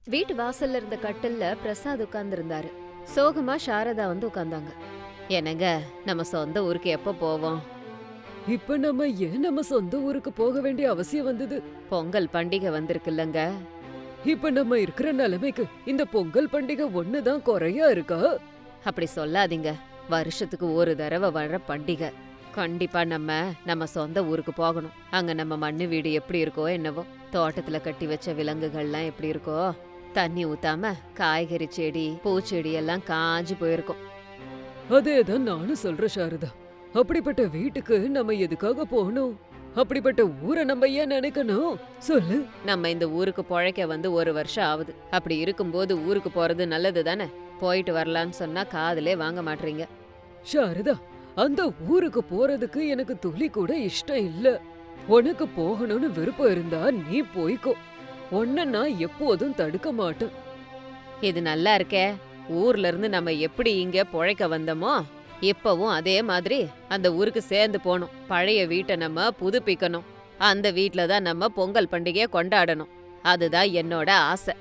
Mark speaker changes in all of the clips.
Speaker 1: வீட்டு வாசல்ல இருந்த கட்டில்ல பிரசாத் உட்கார்ந்திருந்தாரு. சோகமா சாரதா வந்து உட்கார்ந்தாங்க. என்னங்க, நம்ம சொந்த ஊருக்கு எப்ப போவோம்?
Speaker 2: இப்ப நம்ம ஏன் நம்ம சொந்த ஊருக்கு போக வேண்டிய அவசியம் வந்தது?
Speaker 1: பொங்கல் பண்டிகை வந்திருக்குல்லங்க.
Speaker 2: இப்ப நம்ம இருக்கிற நிலைமைக்கு இந்த பொங்கல் பண்டிகை ஒண்ணுதான் குறையா இருக்கா?
Speaker 1: அப்படி சொல்லாதீங்க. வருஷத்துக்கு ஒரு தடவை வர்ற பண்டிகை. கண்டிப்பா நம்ம சொந்த ஊருக்கு போகணும். அங்க நம்ம மண்ணு வீடு எப்படி இருக்கோ என்னவோ, தோட்டத்துல கட்டி வச்ச விலங்குகள்லாம் எப்படி இருக்கோ, தண்ணி ஊத்தாம காய்கறி செடி பூச்செடி எல்லாம் காஞ்சு போயிருக்கும்.
Speaker 2: அதேதான் நானும் சொல்றேன் சாரதா. அப்படிப்பட்ட வீட்டுக்கு நம்ம எதுக்காக போகணும்? அப்படிப்பட்ட ஊரை நம்ம ஏன் நினைக்கணும் சொல்லு.
Speaker 1: நம்ம இந்த ஊருக்கு பொழைக்க வந்து ஒரு வருஷம் ஆகுது. அப்படி இருக்கும்போது ஊருக்கு போறது நல்லது தானே. போயிட்டு வரலான்னு சொன்னா காதுலே வாங்க மாட்டீங்க.
Speaker 2: சாரதா, அந்த ஊருக்கு போறதுக்கு எனக்கு துளி கூட இஷ்டம் இல்ல. உனக்கு போகணும்னு விருப்பம் இருந்தா நீ போய்க்கோ. உன்ன நான் எப்போதும் தடுக்க மாட்டேன்.
Speaker 1: இது நல்லா இருக்கே. ஊர்ல இருந்து நம்ம எப்படி இங்க பொழைக்க வந்தோமோ, இப்பவும் அதே மாதிரி அந்த ஊருக்கு சேர்ந்து போகணும். பழைய வீட்டை நம்ம புதுப்பிக்கணும். அந்த வீட்ல தான் நம்ம பொங்கல் பண்டிகையை கொண்டாடணும். அதுதான் என்னோட ஆசை.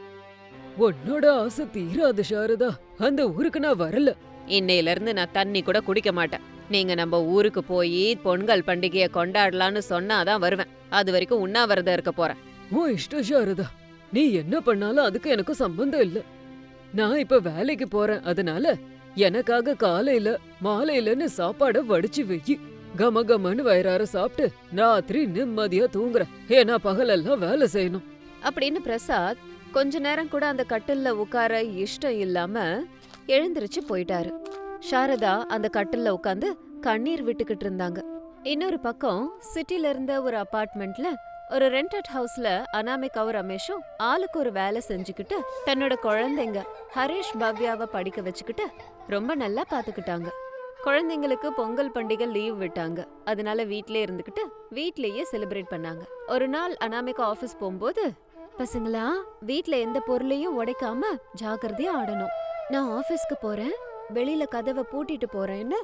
Speaker 2: உன்னோட ஆசை தீராது சாரதா. அந்த ஊருக்கு நான் வரல.
Speaker 1: இன்னையில இருந்து நான் தண்ணி கூட குடிக்க மாட்டேன். நீங்க நம்ம ஊருக்கு போய் பொங்கல் பண்டிகையை கொண்டாடலான்னு சொன்னாதான் வருவேன். அது வரைக்கும் உண்ணாவிரதம் இருக்க போறேன்.
Speaker 2: உன் இஷ்டம் சாரதா. நீ என்ன பண்ணாலும் அதுக்கு எனக்கு சம்பந்தம் இல்ல. நான் இப்ப வேலைக்கு போறேன். அதனால எனக்காக காலையில மாலையிலன்னு சாப்பாட வடிச்சு வெயி. கம கமன்னு வயிறார சாப்பிட்டு ராத்திரி நிம்மதியா தூங்குறேன். ஏன்னா பகலெல்லாம் வேலை செய்யணும்.
Speaker 1: அப்படின்னு பிரசாத் கொஞ்ச நேரம் கூட அந்த கட்டில்ல உட்கார இஷ்டம் இல்லாம எழுந்திருச்சு போயிட்டாரு. சாரதா அந்த கட்டில்ல உட்காந்து கண்ணீர் விட்டுக்கிட்டு இருந்தாங்க. இன்னொரு பக்கம் சிட்டில இருந்த ஒரு அபார்ட்மெண்ட்ல ஒரு ரெண்டட் ஹவுஸ்ல அனாமிகாவும் ரமேஷும் ஆளுக்கு ஒரு வேலை செஞ்சுக்கிட்டு தன்னோட குழந்தைங்க ஹரிஷ் பவ்யாவை படிக்க வச்சுக்கிட்டு ரொம்ப நல்லா பாத்துக்கிட்டாங்க. குழந்தைங்களுக்கு பொங்கல் பண்டிகை லீவ் விட்டாங்க. அதனால வீட்லயே இருந்துகிட்டு வீட்லயே செலிப்ரேட் பண்ணாங்க. ஒரு நாள் அனாமிகா ஆபீஸ் போகும்போது, பசங்களா வீட்ல எந்த பொருளையும் உடைக்காம ஜாக்கிரதையா ஆடணும். நான் ஆபீஸ்க்கு போறேன், வெளியில கதவை பூட்டிட்டு போறேன்னு.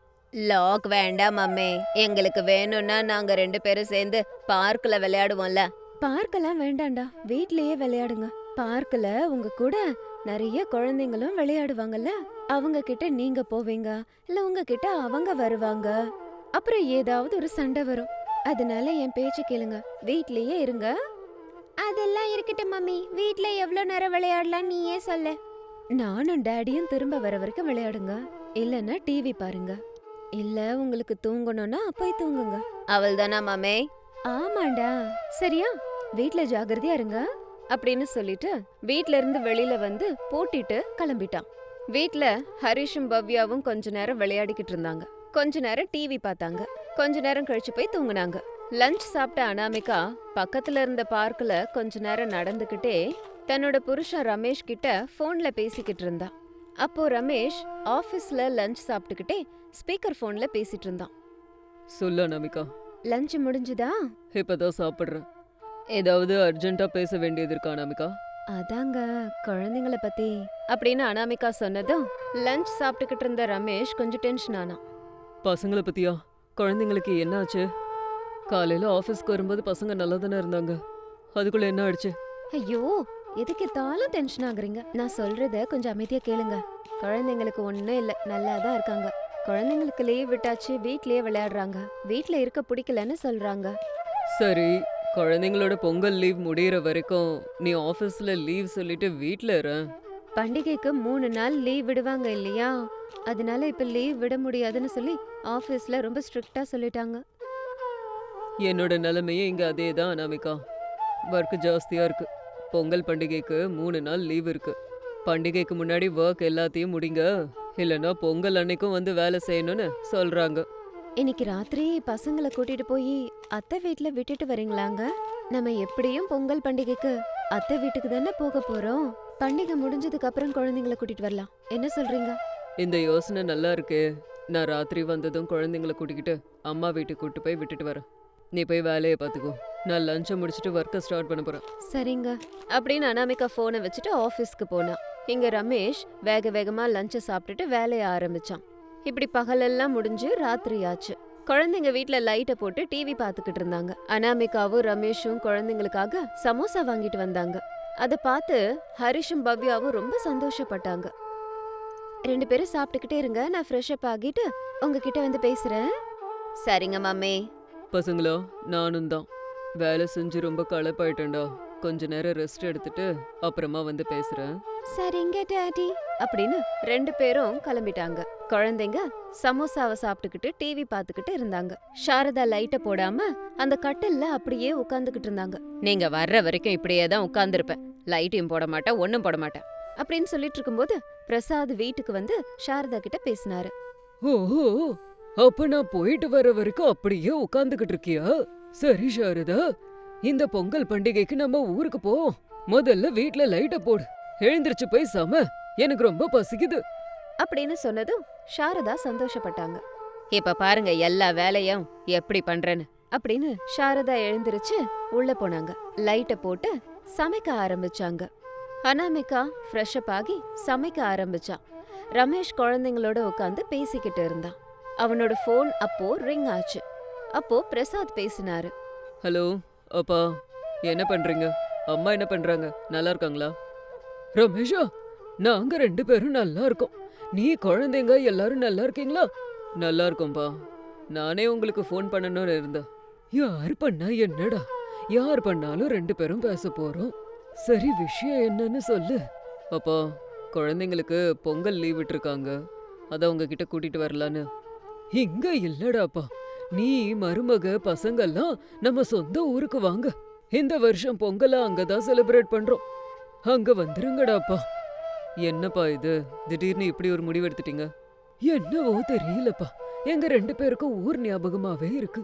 Speaker 1: லாக் வேண்டாம் அம்மே, எங்களுக்கு வேணும்னா நாங்க 2 பேரும் சேர்ந்து பார்க்ல விளையாடுவோம்ல. பார்க்கெல்லாம் வேண்டாம்டா, வீட்லயே விளையாடுங்க. பார்க்ல உங்க கூட நிறைய குழந்தைங்களும் விளையாடுவாங்கல்ல, அவங்க கிட்ட நீங்க போவீங்க, இல்ல உங்க கிட்ட அவங்க வருவாங்க. அப்புறம் ஏதாவது ஒரு சண்டை வரும். அதனால என் பேச்சு கேளுங்க, வீட்லயே இருங்க. அதெல்லாம் இருக்கட்டும் மம்மி, வீட்ல எவ்வளவு நேரம் விளையாடலாம் நீயே சொல்லு. நானும் டாடியும் திரும்ப வர வரைக்கும் விளையாடுங்க, இல்லன்னா டிவி பாருங்க. இல்ல உங்களுக்கு தூங்கணும்னா போய் தூங்குங்க. அவள் தானா மாமே? ஆமாண்டா. சரியா, வீட்ல ஜாகிரதையா இருங்க அப்படின்னு சொல்லிட்டு வீட்ல இருந்து வெளியில வந்து பூட்டிட்டு கிளம்பிட்டான். வீட்ல ஹரிஷும் பவ்யாவும் கொஞ்ச நேரம் விளையாடிக்கிட்டு இருந்தாங்க. கொஞ்ச நேரம் டிவி பார்த்தாங்க. கொஞ்ச நேரம் கழிச்சு போய் தூங்குனாங்க. லஞ்ச் சாப்பிட்ட அனாமிகா பக்கத்துல இருந்த பார்க்ல கொஞ்ச நேரம் நடந்துகிட்டே தன்னோட புருஷன் ரமேஷ் கிட்ட போன்ல பேசிக்கிட்டு இருந்தா. அப்போ ரமேஷ் ஆபீஸ்ல லஞ்ச் சாப்பிட்டுக்கிட்டே ஸ்பீக்கர் போன்ல பேசிட்டு இருந்தான்.
Speaker 2: சொல்ல அனாமிகா.
Speaker 1: லஞ்ச் முடிஞ்சுதா?
Speaker 2: இப்பதான் சாப்பிடுறேன். ஏதாவது அர்ஜென்ட்டா பேச வேண்டியது இருக்கா அனாமிகா?
Speaker 1: அதாங்க குழந்தைங்கள பத்தி அப்படின்னு அனாமிகா சொன்னதும் லஞ்ச் சாப்பிட்டுக்கிட்டு இருந்த ரமேஷ் கொஞ்சம் டென்ஷன் ஆனான்.
Speaker 2: பசங்கள பத்தியா? குழந்தைங்களுக்கு என்ன ஆச்சு? காலையில ஆபீஸ்க்கு வரும்போது பசங்க நல்லா தானே இருந்தாங்க. அதுக்குள்ள என்ன ஆயிடுச்சு?
Speaker 1: ஐயோ, எதுக்கு தாலும் டென்ஷன் ஆகுறீங்க? நான் சொல்றத கொஞ்சம் அமைதியா கேளுங்க. குழந்தைங்களுக்கு ஒண்ணும் இல்ல, நல்லா தான் இருக்காங்க. குழந்தைங்களுக்கு லீவ் விட்டாச்சு, வீட்லயே விளையாடுறாங்க. வீட்ல இருக்க பிடிக்கலன்னு சொல்றாங்க.
Speaker 2: சரி, குழந்தைங்களோட பொங்கல் லீவ் முடியற வரைக்கும் நீ ஆபீஸ்ல லீவ் சொல்லிட்டு வீட்ல இரு.
Speaker 1: பண்டிகைக்கு 3 நாள் லீவ் விடுவாங்க இல்லையா, அதனால இப்ப லீவ் விட முடியாதுன்னு சொல்லி ஆபீஸ்ல ரொம்ப ஸ்ட்ரிக்ட்டா சொல்லிட்டாங்க.
Speaker 2: என்னோட நிலைமையே இங்க அதேதான் அனாமிகா. ஒர்க் ஜாஸ்தியா இருக்கு. பொங்கல் பண்டிகைக்கு 3 நாள் லீவ் இருக்கு. பண்டிகைக்கு முன்னாடி ஒர்க் எல்லாத்தையும் முடிங்க, இல்லனா பொங்கல் அன்னைக்கும் வந்து வேலை செய்யணும்னு சொல்றாங்க.
Speaker 1: இன்னைக்கு ராத்திரி பசங்களை கூட்டிட்டு போய் அத்தை வீட்ல விட்டுட்டு வரீங்களாங்க? நம்ம எப்படியும் பொங்கல் பண்டிகைக்கு அத்தை வீட்டுக்கு தானே போக போறோம். பண்டிகை முடிஞ்சதுக்கு அப்புறம் குழந்தைங்களை கூட்டிட்டு வரலாம். என்ன சொல்றீங்க?
Speaker 2: இந்த யோசனை நல்லா இருக்கே. நான் ராத்திரி வந்ததும் குழந்தைங்களை கூட்டிக்கிட்டு அம்மா வீட்டுக்கு கூட்டு போய் விட்டுட்டு வரேன். நீ போய் வேலையை பார்த்துக்கோ. நான் லஞ்சை முடிச்சுட்டு ஒர்க்கை ஸ்டார்ட் பண்ண போறேன்.
Speaker 1: சரிங்க அப்படின்னு அனாமிகா போனை வச்சுட்டு ஆபீஸ்க்கு போனா. இங்க ரமேஷ் வேக வேகமா லஞ்சை சாப்பிட்டுட்டு வேலைய ஆரம்பிச்சான். இப்படி பகலெல்லாம் முடிஞ்சு ராத்திரி ஆச்சு. குழந்தைங்க வீட்ல லைட்டை போட்டு டிவி பாத்துக்கிட்டு இருந்தாங்க. அனாமிகாவும் ரமேஷும் குழந்தைங்களுக்காக சமோசா வாங்கிட்டு வந்தாங்க. அத பார்த்து ஹரிஷும் பவ்யாவும் ரொம்ப சந்தோஷப்பட்டாங்க. 2 பேரும் சாப்பிட்டுக்கிட்டே இருங்க, நான் ஃப்ரெஷ் அப் ஆகிட்டு உங்ககிட்ட வந்து பேசுறேன். சரிங்க மம்மி.
Speaker 2: பசங்களா, நானும் தான். வேலை செஞ்சு ரொம்ப களைப்பாயிட்டேன்டா. கொஞ்ச நேரம் ரெஸ்ட் எடுத்துட்டு அப்புறமா வந்து பேசுறேன்.
Speaker 1: சரிங்க டாடி அப்படின்னு 2 பேரும் கிளம்பிட்டாங்க. குழந்தைங்க சமோசாவை சாப்பிட்டுக்கிட்டு டிவி பார்த்துக்கிட்டு இருந்தாங்க. சாரதா லைட்ட போடாம அந்த கட்டில்ல அப்படியே உட்கார்ந்துகிட்டு இருந்தாங்க. நீங்க வர்ற வரைக்கும் இப்படியே தான் உட்கார்ந்துருப்பேன், லைட்டையும் போட மாட்டேன், ஒன்னும் போட மாட்டேன் அப்படின்னு சொல்லிட்டு இருக்கும்போது பிரசாத் வீட்டுக்கு வந்து சாரதா கிட்ட பேசினாரு.
Speaker 2: ஓஹோ, அப்ப நான் போயிட்டு வர வரைக்கும் அப்படியே உட்காந்துக்கிட்டு இருக்கியா? சரி சாரதா, இந்த பொங்கல் பண்டிகைக்கு நம்ம ஊருக்கு போவோம். முதல்ல வீட்ல லைட்ட போடு. எழுந்திருச்சு போய் சம, எனக்கு ரொம்ப பசிக்குது
Speaker 1: அப்படின்னு சொன்னதும் சாரதா சந்தோஷப்பட்டாங்க. இப்ப பாருங்க எல்லா வேலையும் எப்படி பண்றேன்னு அப்படின்னு சாரதா எழுந்திருச்சு உள்ள போனாங்க. லைட்ட போட்டு சமைக்க ஆரம்பிச்சாங்க. அனாமிகா ஃப்ரெஷ் அப் ஆகி சமைக்க ஆரம்பிச்சான். ரமேஷ் குழந்தைங்களோட உட்காந்து பேசிக்கிட்டு இருந்தான். அவனோட ஃபோன் அப்போ ரிங் ஆச்சு. அப்போ பிரசாத் பேசினாரு.
Speaker 2: ஹலோ அப்பா, என்ன பண்றீங்க? அம்மா என்ன பண்றாங்க? நல்லா இருக்காங்களா? ரமேஷா, நாங்க 2 பேரும் நல்லா இருக்கோம். நீ குழந்தைங்க எல்லாரும் நல்லா இருக்கீங்களா? நல்லா இருக்கோம்பா. நானே உங்களுக்கு ஃபோன் பண்ணணும்னு இருந்தேன். யார் பண்ணா என்னடா, யார் பண்ணாலும் 2 பேரும் பேச போறோம். சரி, விஷயம் என்னன்னு சொல்லு. அப்பா, குழந்தைங்களுக்கு பொங்கல் லீவ் விட்டுருக்காங்க. அதான் உங்ககிட்ட கூட்டிட்டு வரலான்னு. இங்க இல்லடாப்பா, நீ மருமக பசங்கெல்லாம் நம்ம சொந்த ஊருக்கு வாங்க. இந்த வருஷம் பொங்கலா அங்கதான் செலிப்ரேட் பண்றோம். அங்க வந்துருங்கடாப்பா. என்னப்பா இது, திடீர்னு இப்படி ஒரு முடிவு எடுத்துட்டீங்க? என்னவோ தெரியலப்பா, எங்க 2 பேருக்கும் ஊர் ஞாபகமாவே இருக்கு.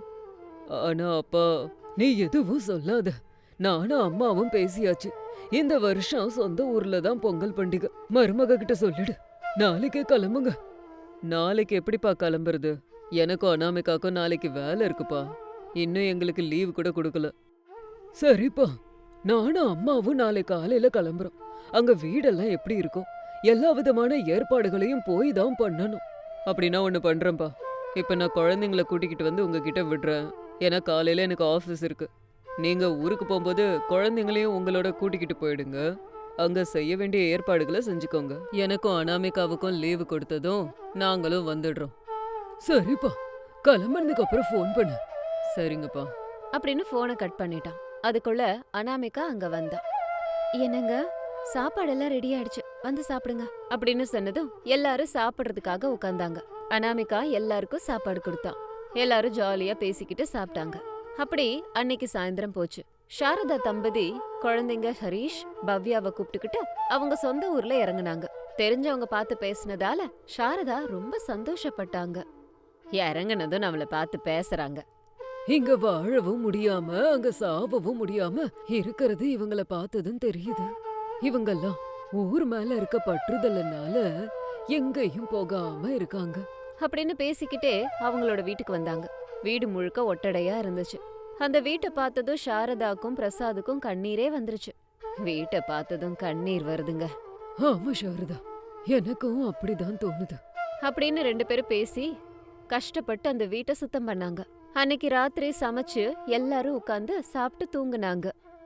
Speaker 2: ஆனா அப்பா, நீ எதுவும் சொல்லாத. நானும் அம்மாவும் பேசியாச்சு. இந்த வருஷம் சொந்த ஊர்ல தான் பொங்கல் பண்டிகை. மருமக கிட்ட சொல்லிடு. நாளைக்கே கிளம்புங்க. நாளைக்கு எப்படிப்பா கிளம்புறது? எனக்கும் அனாமிகாக்கும் நாளைக்கு வேலை இருக்குப்பா. இன்னும் எங்களுக்கு லீவு கூட கொடுக்கல. சரிப்பா, நானும் அம்மாவும் நாளை காலையில கிளம்புறோம். அங்க வீடெல்லாம் எப்படி இருக்கும், எல்லா விதமான ஏற்பாடுகளையும் போய் தான் பண்ணணும். அப்படின்னா ஒண்ணு பண்றேன்ப்பா. இப்ப நான் குழந்தைங்கள கூட்டிக்கிட்டு வந்து உங்ககிட்ட விடுறேன். ஏன்னா காலையில எனக்கு ஆஃபீஸ் இருக்கு. நீங்க ஊருக்கு போகும்போது குழந்தைங்களையும் உங்களோட கூட்டிக்கிட்டு போயிடுங்க. அங்க செய்ய வேண்டிய ஏற்பாடுகளை செஞ்சுக்கோங்க. எனக்கும் அனாமிகாவுக்கும் லீவு கொடுத்ததும் நாங்களும் வந்துடுறோம். சரிப்பா, கிளம்புனதுக்கு அப்புறம் ஃபோன் பண்ணு. சரிங்கப்பா
Speaker 1: அப்படின்னு போனை கட் பண்ணிட்டான். அதுக்குள்ள அனாமிகா அங்க வந்தா. என்னங்க, சாப்பாடெல்லாம் ரெடி ஆயிடுச்சு, வந்து சாப்பிடுங்க அப்படின்னு சொன்னதும் எல்லாரும் சாப்பிடுறதுக்காக உட்கார்ந்தாங்க. அனாமிகா எல்லாருக்கும் சாப்பாடு கொடுத்தான். எல்லாரும் ஜாலியா பேசிக்கிட்டு சாப்பிட்டாங்க. அப்படி அன்னைக்கு சாயந்தரம் போச்சு. சாரதா தம்பதி குழந்தைங்க ஹரிஷ் பவ்யாவை கூப்பிட்டுக்கிட்டு அவங்க சொந்த ஊர்ல இறங்குனாங்க. தெரிஞ்சவங்க பார்த்து பேசினதால சாரதா ரொம்ப சந்தோஷப்பட்டாங்க. இறங்குனதும் நம்மள பார்த்து பேசுறாங்க.
Speaker 2: இங்க வாழவும் முடியாம அங்க சாவவும் முடியாம இருக்கிறது இவங்கள பார்த்ததும் தெரியுது. இவங்கெல்லாம் ஊர் மேல இருக்க பற்றுதல்னால எங்கேயும் போகாம இருக்காங்க
Speaker 1: அப்படின்னு பேசிக்கிட்டே அவங்களோட வீட்டுக்கு வந்தாங்க. வீடு முழுக்க ஒட்டடையா இருந்துச்சு. அந்த வீட்டை பார்த்ததும் சாரதாக்கும் பிரசாதுக்கும் கண்ணீரே வந்துருச்சு. வீட்டை பார்த்ததும் கண்ணீர் வருதுங்க.
Speaker 2: ஆமா சாரதா, எனக்கும் அப்படிதான் தோணுது
Speaker 1: அப்படின்னு 2 பேரும் பேசி கஷ்டப்பட்டு அந்த வீட்டை சுத்தம் பண்ணாங்க. அன்னைக்கு ராத்திரி சமைச்சு எல்லாரும் உட்கார்ந்து சாப்பிட்டு தூங்குனாங்க.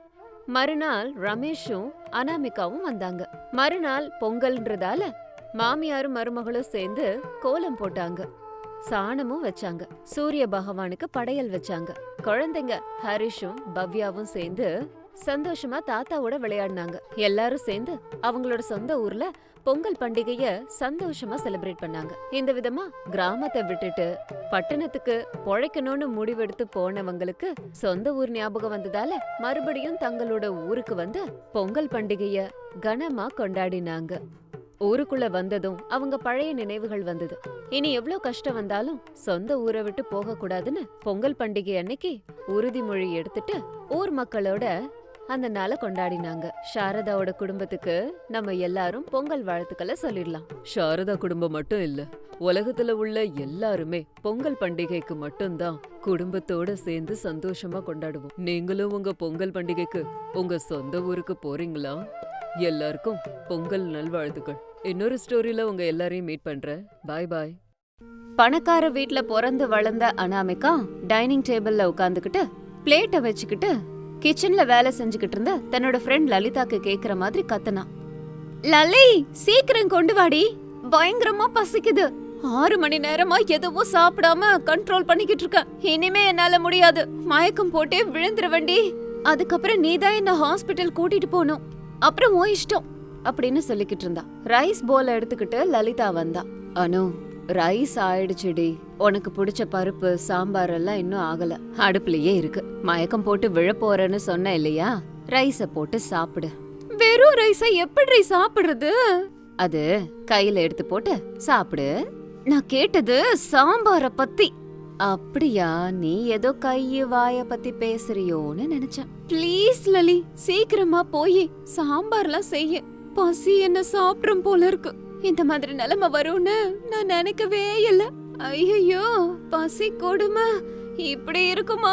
Speaker 1: மறுநாள் ரமேஷும் அனாமிகாவும் வந்தாங்க. மறுநாள் பொங்கல்ன்றதால மாமியாரும் மருமகளும் சேர்ந்து கோலம் போட்டாங்க. சாணமும் வச்சாங்க. சூரிய பகவானுக்கு படையல் வச்சாங்க. குழந்தைங்க ஹரிஷும் பவ்யாவும் சேர்ந்து சந்தோஷமா தாத்தாவோட விளையாடினாங்க. எல்லாரும் சேர்ந்து அவங்களோட சொந்த ஊர்ல பொங்கல் பண்டிகைய சந்தோஷமா செலிப்ரேட் பண்ணாங்க. இந்த விதமா கிராமத்தை விட்டுட்டு பட்டணத்துக்கு பொழைக்கணும்னு முடிவெடுத்து போனவங்களுக்கு சொந்த ஊர் ஞாபகம் வந்ததால மறுபடியும் தங்களோட ஊருக்கு வந்து பொங்கல் பண்டிகைய கனமா கொண்டாடினாங்க. ஊருக்குள்ள வந்ததும் அவங்க பழைய நினைவுகள் வந்தது. இனி எவ்ளோ கஷ்டம் வந்தாலும் சொந்த ஊரை விட்டு போக கூடாதுன்னு பொங்கல் பண்டிகை அன்னைக்கு உறுதிமொழி எடுத்துட்டு ஊர் மக்களோட அந்த நாளை கொண்டாடினாங்க. சாரதாவோட குடும்பத்துக்கு நம்ம எல்லாரும் பொங்கல் வாழ்த்துக்களை சொல்லிடலாம்.
Speaker 2: சாரதா குடும்பம் மட்டும் இல்ல, உலகத்துல உள்ள எல்லாருமே பொங்கல் பண்டிகைக்கு மட்டும்தான் குடும்பத்தோட சேர்ந்து சந்தோஷமா கொண்டாடுவோம். நீங்களும் உங்க பொங்கல் பண்டிகைக்கு உங்க சொந்த ஊருக்கு போறீங்களா? எல்லாருக்கும் பொங்கல் நல்வாழ்த்துக்கள். இன்னொரு ஸ்டோரியில உங்க எல்லாரையும் மீட் பண்றேன். பாய் பாய்.
Speaker 1: பணக்கார வீட்ல பிறந்து வளர்ந்த அனாமிகா டைனிங் டேபிள்ல உட்காந்துக்கிட்டு பிளேட்டை வச்சுக்கிட்டு கிச்சன்ல வேலை செஞ்சுக்கிட்டு இருந்த தன்னோட ஃப்ரெண்ட் லலிதாக்கு கேக்குற மாதிரி கத்துனா. லலி, சீக்கிரம் கொண்டு வாடி, பயங்கரமா பசிக்குது. 6 மணி நேரமா எதுவும் சாப்பிடாம கண்ட்ரோல் பண்ணிக்கிட்டு இருக்க. இனிமே என்னால முடியாது, மயக்கம் போட்டே விழுந்துருவண்டி. அதுக்கப்புறம் நீதான் என்ன ஹாஸ்பிட்டல் கூட்டிட்டு போகணும். அப்புறம் உன் இஷ்டம் அப்படின்னு சொல்லிக்கிட்டு இருந்தா. ரைஸ் போல எடுத்துக்கிட்டு லலிதா வந்தா. அனு, ரைஸ் ஆயிடுச்சுடி. உனக்கு பிடிச்ச பருப்பு சாம்பார் எல்லாம் இன்னும் ஆகல, அடுப்புலயே இருக்கு. மயக்கம் போட்டு விழ போறேன்னு சொன்ன இல்லையா, ரைஸ போட்டு சாப்பிடு. வெறும் ரைஸ எப்படி சாப்பிடுறது? அது கையில எடுத்து போட்டு சாப்பிடு. நான் கேட்டது சாம்பார பத்தி. அப்படியா, நீ ஏதோ கைய வாய பத்தி பேசுறியோன்னு நினைச்சேன். ப்ளீஸ் லலி, சீக்கிரமா போய் சாம்பார்லாம் செய்ய. பசி என்ன சாப்பிடும் போல இருக்கு. இந்த மாதிரி நிலைமை வரும்னு நான் நினைக்கவே இல்ல. ஐயோ, பசி கொடுமை இப்படி இருக்குமா?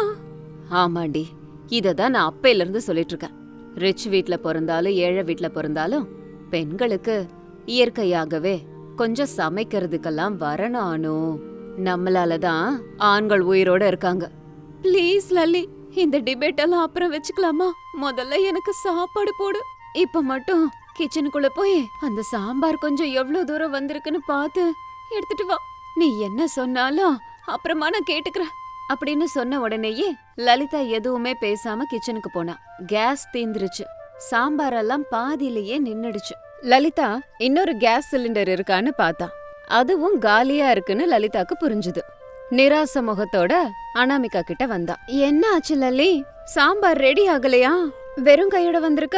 Speaker 1: ஆமாண்டி, இததான் நான் அப்பையில இருந்து சொல்லிட்டு இருக்கேன். ரிச் வீட்ல பிறந்தாலும் ஏழை வீட்ல பிறந்தாலும் பெண்களுக்கு இயற்கையாகவே கொஞ்சம் சமைக்கிறதுக்கெல்லாம் வரணும் அனு. நம்மளாலதான் ஆண்கள் உயிரோட இருக்காங்க. ப்ளீஸ் லல்லி, இந்த டிபேட் எல்லாம் அப்புறம் வச்சுக்கலாமா? முதல்ல எனக்கு சாப்பாடு போடு. இப்ப மட்டும் கிச்சனுக்குள்ள போய் அந்த சாம்பார் கொஞ்சம் எவ்வளவு தூரம் வந்திருக்குன்னு பார்த்து எடுத்துட்டு வா. நீ என்ன சொன்னாலும் அப்புறமா நான் கேட்டுக்கிறேன் அப்படின்னு சொன்ன உடனேயே லலிதா எதுவுமே பேசாம கிச்சனுக்கு போனா. கேஸ் தீந்துருச்சு. சாம்பார் எல்லாம் பாதியிலேயே நின்னுடுச்சு. லலிதா இன்னொரு கேஸ் சிலிண்டர் இருக்கான்னு பார்த்தா. அதுவும் காலியா இருக்குன்னு லலிதாக்கு புரிஞ்சுது. நிராச முகத்தோட அனாமிகா கிட்ட வந்தா. என்ன ஆச்சு லல்லி, சாம்பார் ரெடி ஆகலையா? வெறும் கையோட வந்திருக்க?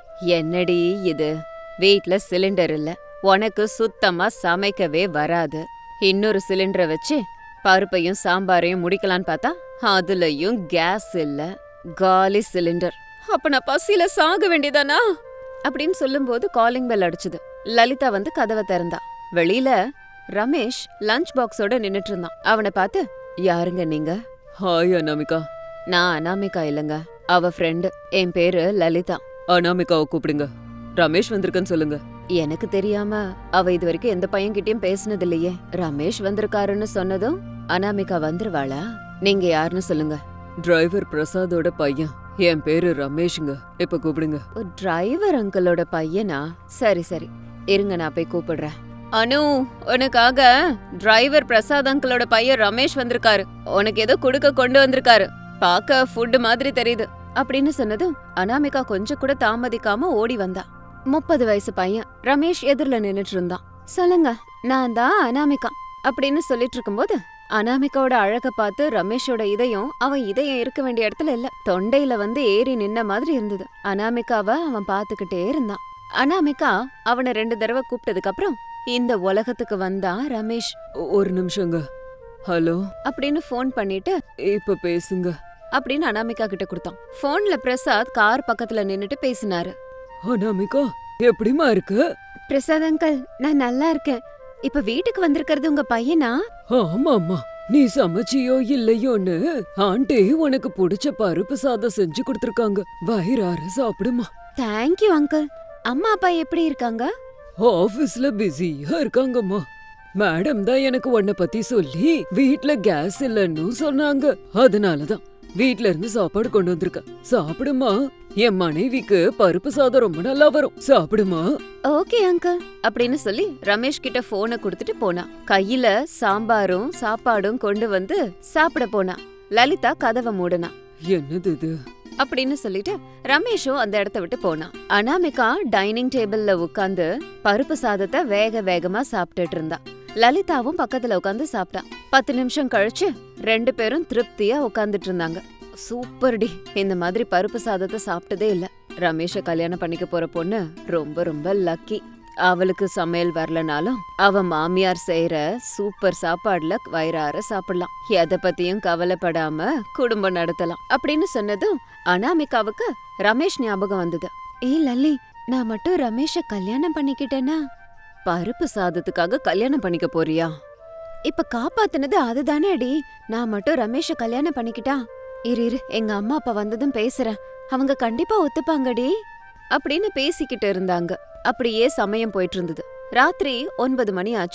Speaker 1: என்னடி இது, வீட்ல சிலிண்டர் இல்ல, உனக்கு சுத்தமா சமைக்கவே வராது. இன்னொரு சிலிண்டரை வச்சு பருப்பையும் சாம்பாரையும் முடிக்கலான்னு பார்த்தா அதுலயும் கேஸ் இல்ல, காலி சிலிண்டர். அப்ப நான் பசியில சாக வேண்டியதானா அப்படின்னு சொல்லும்போது காலிங் பெல் அடிச்சுது. லலிதா வந்து கதவை திறந்தா. வெளியில ரமேஷ் லஞ்ச் பாக்ஸோட நின்னுட்டு இருந்தான். அவனை பார்த்து, யாருங்க நீங்க?
Speaker 2: ஹாய் அனாமிகா.
Speaker 1: நான் அனாமிகா இல்லங்க, அவ ஃப்ரெண்டு. என் பேரு லலிதா.
Speaker 2: அனாமிகாவை கூப்பிடுங்க, ரமேஷ் வந்திருக்கன்னு சொல்லுங்க.
Speaker 1: எனக்கு தெரியாம அவ இது வரைக்கும் எந்த பையன்கிட்டயும் பேசினது இல்லையே. ரமேஷ் வந்திருக்காருன்னு சொன்னதும் அனாமிகா வந்துருவாளா? நீங்க யாருன்னு சொல்லுங்க.
Speaker 2: டிரைவர் பிரசாதோட பையன், என் பேரு ரமேஷுங்க, இப்ப கூப்பிடுங்க.
Speaker 1: டிரைவர் அங்கிளோட பையனா? சரி சரி, இருங்க நான் போய் கூப்பிடுறேன். அனு, உனக்காக டிரைவர் பிரசாத் அங்கிளோட பையன் ரமேஷ் வந்திருக்காரு. உனக்கு ஏதோ குடுக்க கொண்டு வந்திருக்காரு, பாக்க ஃபுட் மாதிரி தெரியுது அப்படின்னு சொன்னதும் அனாமிகா கொஞ்சம் கூட தாமதிக்காம ஓடி வந்தா. 30 வயசு பையன் ரமேஷ் எதிரில நின்னுட்டு இருந்தான். சொல்லுங்க, நான் தான் அனாமிகா அப்படின்னு சொல்லிட்டு இருக்கும்போது அனாமிகாவோட அழக பார்த்து ரமேஷோட இதயம் அவன் இதயம் இருக்க வேண்டிய இடத்துல இல்ல, தொண்டையில வந்து ஏறி நின்ன மாதிரி இருந்தது. அனாமிகாவை அவன் பாத்துக்கிட்டே இருந்தான். அனாமிகா அவனை 2 தடவை கூப்பிட்டதுக்கு அப்புறம் இந்த உலகத்துக்கு வந்தான் ரமேஷ்.
Speaker 2: ஒரு நிமிஷங்க. ஹலோ
Speaker 1: அப்படின்னு போன் பண்ணிட்டு
Speaker 2: இப்ப பேசுங்க
Speaker 1: அப்படின்னு அனாமிகா கிட்ட கொடுத்தான். போன்ல பிரசாத் கார் பக்கத்துல நின்னுட்டு பேசினாரு.
Speaker 2: அனாமிகா, எப்படிமா இருக்கு?
Speaker 1: பிரசாத் அங்கிள், நான் நல்லா இருக்கேன். இப்ப வீட்டுக்கு வந்திருக்கிறது உங்க பையனா?
Speaker 2: ஆமாமா, நீ சமைச்சியோ இல்லையோன்னு ஆண்டி உனக்கு பிடிச்ச பருப்பு சாதம் செஞ்சு கொடுத்திருக்காங்க. வயிறார சாப்பிடுமா.
Speaker 1: Thank you uncle. அம்மா அப்பா எப்படி இருக்காங்க?
Speaker 2: ஆபீஸ்ல பிஸியா இருக்காங்கம்மா. மேடம் தான் எனக்கு உன்னை பத்தி சொல்லி வீட்ல கேஸ் இல்லன்னு சொன்னாங்க. அதனாலதான் வீட்ல இருந்து சாப்பாடு கொண்டு வந்திருக்க. சாப்பிடுமா, என் மனைவிக்கு பருப்பு சாதம் ரொம்ப நல்லா வரும், சாப்பிடுமா.
Speaker 1: ஓகே அங்கிள் அப்படின்னு சொல்லி ரமேஷ் கிட்ட போனை கொடுத்துட்டு போனா. கையில சாம்பாரும் சாப்பாடும் கொண்டு வந்து சாப்பிட போனா. லலிதா கதவை மூடுனா.
Speaker 2: என்னது இது
Speaker 1: அப்படின்னு சொல்லிட்டு ரமேஷும் அந்த இடத்த விட்டு போனா. அனாமிகா டைனிங் டேபிள்ல உட்கார்ந்து பருப்பு சாதத்தை வேக வேகமா சாப்பிட்டுட்டு இருந்தா. லலிதாவும் பக்கத்துல உட்காந்து சாப்பிட்டா. 10 நிமிஷம் கழிச்சு 2 பேரும் திருப்தியா உட்கார்ந்துட்டு இருந்தாங்க. சூப்பர் டி, இந்த மாதிரி பருப்பு சாதத்தை சாப்பிட்டதே இல்ல. ரமேஷ கல்யாணம் பண்ணிக்க போற பொண்ணு ரொம்ப ரொம்ப லக்கி. அவளுக்கு சமையல் வரலனாலும் அவ மாமியார் செய்யற சூப்பர் சாப்பாடுல வயிறார சாப்பிடலாம், எதை பத்தியும் கவலைப்படாம குடும்பம் நடத்தலாம் அப்படின்னு சொன்னதும் அனாமிகாவுக்கு ரமேஷ் ஞாபகம் வந்தது. ஏய் லல்லி, நான் மட்டும் ரமேஷ கல்யாணம் பண்ணிக்கிட்டேனா? பருப்பு சாதத்துக்காக கல்யாணம் பண்ணிக்க போறியா? இப்ப காப்பாத்துனது அதுதானே அடி. நான் மட்டும் ரமேஷ கல்யாணம் பண்ணிக்கிட்டா? இரு எங்க அம்மா அப்பா வந்ததும் பேசுறேன், அவங்க கண்டிப்பா ஒத்துப்பாங்கடி அப்படின்னு பேசிக்கிட்டு இருந்தாங்க. அப்படியே சமயம் போயிட்டு இருந்தது. ராத்திரி 9 மணி ஆச்சு.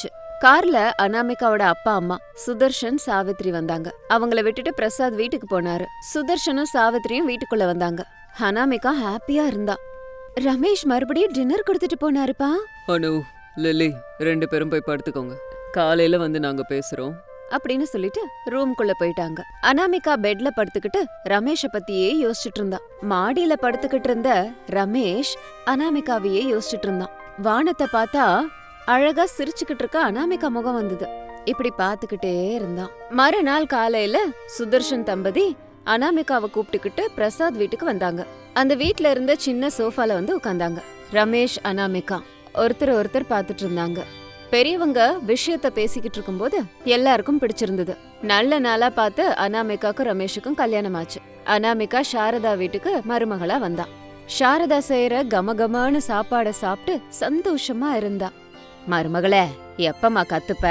Speaker 1: கார்ல அனாமிகாவோட அப்பா அம்மா சுதர்ஷன் சாவித்ரி வந்தாங்க. அவங்கள விட்டுட்டு பிரசாத் வீட்டுக்கு போனாரு. சுதர்ஷனும் சாவித்ரியும் வீட்டுக்குள்ள வந்தாங்க. அனாமிகா ஹாப்பியா இருந்தா. ரமேஷ் மறுபடியும் டின்னர் கொடுத்துட்டு போனாருப்பா.
Speaker 2: அனு, லில்லி 2 பேரும் போய் படுத்துக்கோங்க. காலையில வந்து நாங்க பேசுறோம்
Speaker 1: அப்படின்னு சொல்லிட்டு ரூம்குள்ள போயிட்டாங்க. அனாமிகா பெட்ல படுத்துக்கிட்டு ரமேஷ பத்தியே யோசிச்சுட்டு இருந்தா. மாடியில படுத்துக்கிட்டு இருந்த ரமேஷ் அனாமிகாவையே யோசிச்சுட்டு இருந்தான். வானத்தை பார்த்தா அழகா சிரிச்சுக்கிட்டு இருக்க அனாமிகா முகம் வந்தது. இப்படி பாத்துக்கிட்டே இருந்தான். மறுநாள் காலையில சுதர்ஷன் தம்பதி அனாமிகாவை கூப்பிட்டுக்கிட்டு பிரசாத் வீட்டுக்கு வந்தாங்க. அந்த வீட்ல இருந்த சின்ன சோஃபால வந்து உட்கார்ந்தாங்க. ரமேஷ் அனாமிகா ஒருத்தர் பாத்துட்டு இருந்தாங்க. பெரியவங்க விஷயத்த பேசிக்கிட்டு இருக்கும்போது எல்லாருக்கும் பிடிச்சிருந்தது. நல்ல நாளா பார்த்து அனாமிகாக்கும் ரமேஷுக்கும் கல்யாணம் ஆச்சு. அனாமிகா சாரதா வீட்டுக்கு மருமகளா வந்தா. சாரதா செய்யற கமகமான சாப்பாட சாப்பிட்டு சந்தோஷமா இருந்தா. மருமகளே, எப்பமா கத்துப்ப?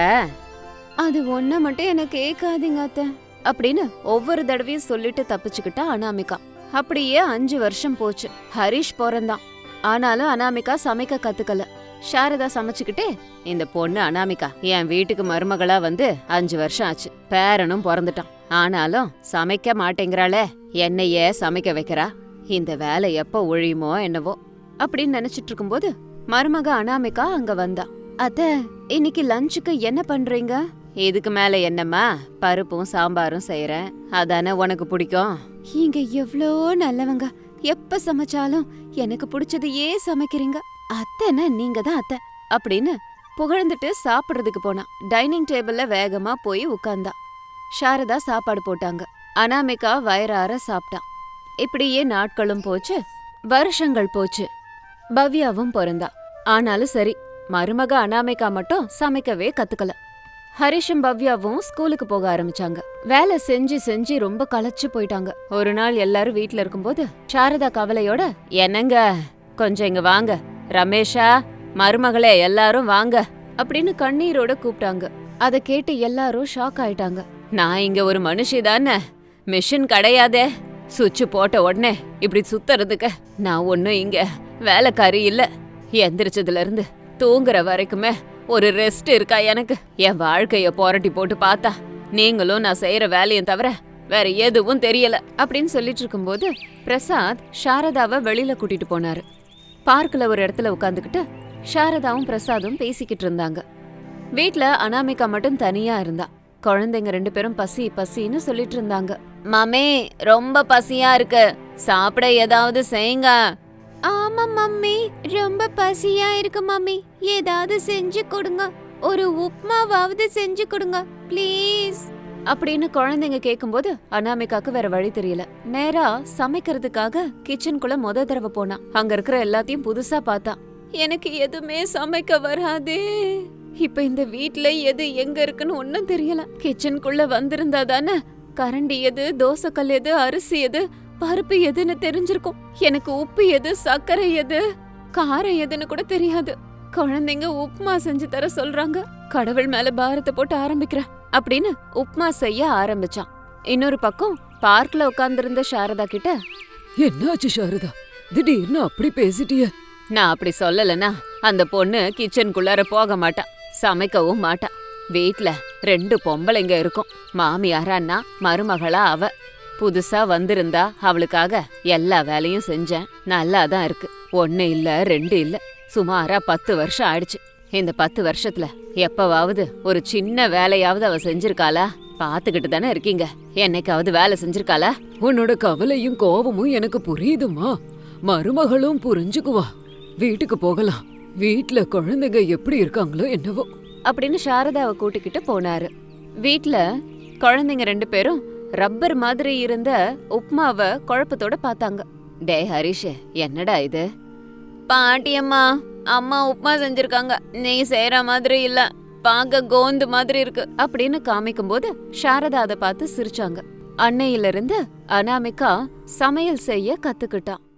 Speaker 1: அது ஒன்ன மட்டும் எனக்கு கேட்காதீங்க அத்தை அப்படின்னு ஒவ்வொரு தடவையும் சொல்லிட்டு தப்பிச்சுக்கிட்டா அனாமிகா. அப்படியே 5 வருஷம் போச்சு. ஹரிஷ் பிறந்தான். ஆனாலும் அனாமிகா சமைக்க கத்துக்கல. சாரதா சமைச்சுக்கிட்டே, இந்த பொண்ணு அனாமிகா என் வீட்டுக்கு மருமகளா வந்து 5 வருஷம் ஆச்சு. பேரனும் பிறந்துட்டான். ஆனாலும் சமைக்க மாட்டேங்கிறாளே, என்னையே சமைக்க வைக்கிறா. இந்த வேலை எப்ப ஒழியுமோ என்னவோ அப்படின்னு நினைச்சிட்டு இருக்கும்போது மருமக அனாமிகா அங்க வந்தா. அத்த, இன்னைக்கு லஞ்சுக்கு என்ன பண்றீங்க? இதுக்கு மேல என்னம்மா, பருப்பும் சாம்பாரும் செய்யறேன். அதானே உனக்கு பிடிக்கும். இங்க எவ்ளோ நல்லவங்க. எப்ப சமைச்சாலும் எனக்கு பிடிச்சதையே சமைக்கிறீங்க. அத்தைன்னா நீங்க தான் அத்தை அப்படின்னு புகழ்ந்துட்டு சாப்பிடுறதுக்கு போனா. டைனிங் டேபிள்ல வேகமா போய் உட்கார்ந்தா. சாரதா சாப்பாடு போட்டாங்க. அனாமிகா வயிறார சாப்பிட்டா. இப்படியே நாட்களும் போச்சு, வருஷங்கள் போச்சு. பவ்யாவும் பிறந்தா. ஆனாலும் சரி, மருமக அனாமிகா மட்டும் சமைக்கவே கத்துக்கல. ஹரிஷும் பவ்யாவும் ஸ்கூலுக்கு போக ஆரம்பிச்சாங்க. வேலை செஞ்சு செஞ்சு ரொம்ப களைச்சு போயிட்டாங்க. ஒரு நாள் எல்லாரும் வீட்ல இருக்கும்போது சாரதா கவலையோட, என்னங்க கொஞ்சம் இங்க வாங்க, ரமேஷா, மருமகளே எல்லாரும் வாங்க அப்படின்னு கண்ணீரோட கூப்பிட்டாங்க. அத கேட்டு எல்லாரும் ஷாக் ஆயிட்டாங்க. நான் இங்க ஒரு மனுஷி தானே, மிஷின் கிடையாதே. சுவிட்ச் போட்ட உடனே இப்படி சுத்துறதுக்கு நான் ஒன்னும் இங்க வேலைக்காரி இல்ல. எந்திரிச்சதுல இருந்து தூங்குற வரைக்குமே ஒரு ரெஸ்ட் இருக்கா எனக்கு? என் வாழ்க்கைய புரட்டி போட்டு பார்த்தா நீங்களும் நான் செய்யற வேலையும் தவிர வேற எதுவும் தெரியல அப்படின்னு சொல்லிட்டு இருக்கும்போது பிரசாத் சாரதாவை வெளியில கூட்டிட்டு போனாரு. பார்க்ல ஒரு இடத்துல உட்காந்துக்கிட்டு சாரதாவும் பிரசாதும் பேசிக்கிட்டு இருந்தாங்க. வீட்ல அனாமிகா மட்டும் தனியா இருந்தா. குழந்தைங்க 2 பேரும் பசி பசின்னு சொல்லிட்டு இருந்தாங்க. மாமே, ரொம்ப பசியா இருக்கு, சாப்பிட ஏதாவது செய்யுங்க. ஆமா மம்மி, ரொம்ப பசியா இருக்கு மம்மி, ஏதாவது செஞ்சு கொடுங்க. ஒரு உப்மாவாவது செஞ்சு கொடுங்க ப்ளீஸ் அப்படின்னு குழந்தைங்க கேக்கும்போது அனாமிகாக்கு வேற வழி தெரியல. நேரா சமைக்கிறதுக்காக கிச்சனுக்குள்ள முத தடவை போனா. அங்க இருக்கிற எல்லாத்தையும் புதுசா பார்த்தா. எனக்கு எதுவுமே சமைக்க வராதே. இப்ப இந்த வீட்ல எது எங்க இருக்குன்னு ஒன்னும் தெரியல. கிச்சனுக்குள்ள வந்திருந்தா தானே கரண்டி எது, தோசைக்கல் எது, அரிசி எது, பருப்பு எதுன்னு தெரிஞ்சிருக்கும். எனக்கு உப்பு எது, சர்க்கரை எது, காரம் எதுன்னு கூட தெரியாது. குழந்தைங்க உப்புமா செஞ்சு தர சொல்றாங்க. கடவுள் மேல பாரத்தை போட்டு ஆரம்பிக்கிறேன் அப்படின்னு உப்புமா செய்ய ஆரம்பிச்சான். இன்னொரு பக்கம் பார்க்ல உட்கார்ந்திருந்த சாரதா கிட்ட,
Speaker 2: என்னாச்சு சாரதா, திடீர்னு அப்படி பேசிட்டிய?
Speaker 1: நான் அப்படி சொல்லலனா அந்த பொண்ணு கிச்சனுக்குள்ளார போக மாட்டா, சமைக்கவும் மாட்டா. வீட்ல 2 பொம்பளைங்க இருக்கும். மாமியாரான்னா மருமகளா அவ. புதுசா வந்திருந்தா அவளுக்காக எல்லா வேலையும் செஞ்சேன். நல்லாதான் இருக்கு. 1 இல்ல 2 இல்ல, சுமாரா 10 வருஷம் ஆயிடுச்சு. இந்த 10 வருஷத்துல எப்பவாவது ஒரு சின்ன வேலையாவது அவ செஞ்சிருக்காளா? பாத்துக்கிட்டு தானே இருக்கீங்க. என்னைக்காவது வேலை செஞ்சிருக்காளா?
Speaker 2: உன்னோட கவலையும் கோபமும் எனக்கு புரியுதுமா. மருமகளும் புரிஞ்சுக்குவா. வீட்டுக்கு போகலாம். வீட்ல குழந்தைங்க எப்படி இருக்காங்களோ என்னவோ
Speaker 1: அப்படின்னு சாரதாவை கூட்டிக்கிட்டு போனாரு. வீட்ல குழந்தைங்க 2 பேரும் ரப்பர் மாதிரி இருந்த உப்மாவை குழப்பத்தோட பார்த்தாங்க. டே ஹரிஷ், என்னடா இது? பாட்டியம்மா, அம்மா உப்மா செஞ்சிருக்காங்க, நீ செய்யற மாதிரி இல்ல, பாக்க கோந்து மாதிரி இருக்கு அப்படின்னு காமிக்கும் போது சாரதா அதை பார்த்து சிரிச்சாங்க. அன்னையிலிருந்து அனாமிகா சமையல் செய்ய கத்துக்கிட்டான்.